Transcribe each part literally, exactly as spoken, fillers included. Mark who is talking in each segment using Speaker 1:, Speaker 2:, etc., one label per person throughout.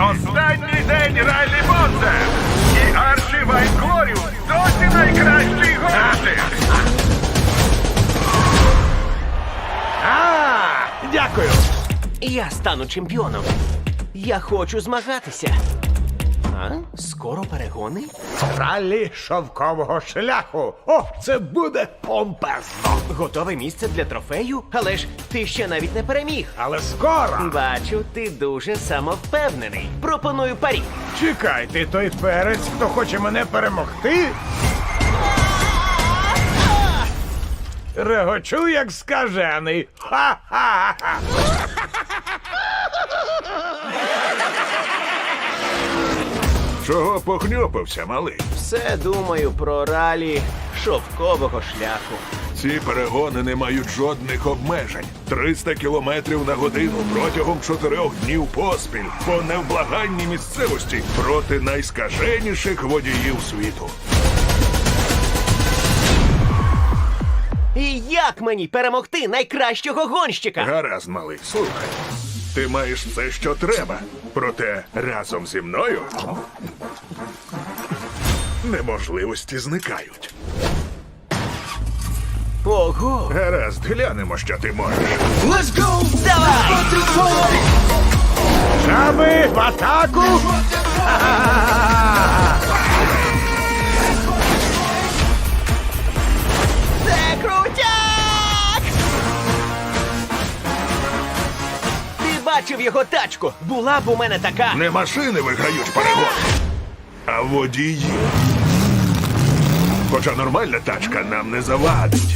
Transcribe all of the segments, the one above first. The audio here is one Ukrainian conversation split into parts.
Speaker 1: Останній день Райлі Бонда! І Арчі Вайнглоріус досі найкращий гонщик!
Speaker 2: А, дякую.
Speaker 3: Я стану чемпіоном. Я хочу змагатися. А? Скоро перегони?
Speaker 2: Ралі шовкового шляху. О, це буде помпезно.
Speaker 3: Готове місце для трофею? Але ж ти ще навіть не переміг.
Speaker 2: Але скоро.
Speaker 3: Бачу, ти дуже самовпевнений. Пропоную парі.
Speaker 2: Чекай, ти той перець, хто хоче мене перемогти? Регочу, як скажений. Ха-ха-ха.
Speaker 1: Чого похньопився, малий?
Speaker 3: Все думаю про ралі шовкового шляху.
Speaker 1: Ці перегони не мають жодних обмежень. триста кілометрів на годину протягом чотирьох днів поспіль по невблаганній місцевості проти найскаженіших водіїв світу.
Speaker 3: І як мені перемогти найкращого гонщика?
Speaker 1: Гаразд, малий, слухай. Ти маєш все, що треба. Проте разом зі мною неможливості зникають.
Speaker 3: Ого!
Speaker 1: Гаразд, глянемо, що ти можеш.
Speaker 3: Давай!
Speaker 2: Жаби в атаку!
Speaker 3: Це крутяк! Ти бачив його тачку? Була б у мене така.
Speaker 1: Не машини виграють перегони, а водії. Хоча нормальна тачка нам не завадить.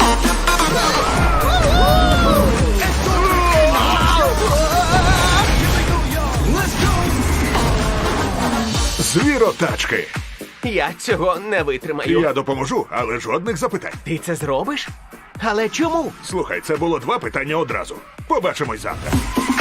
Speaker 1: Звіротачки.
Speaker 3: Я цього не витримаю.
Speaker 1: Я допоможу, але жодних запитань.
Speaker 3: Ти це зробиш? Але чому?
Speaker 1: Слухай, це було два питання одразу. Побачимось завтра.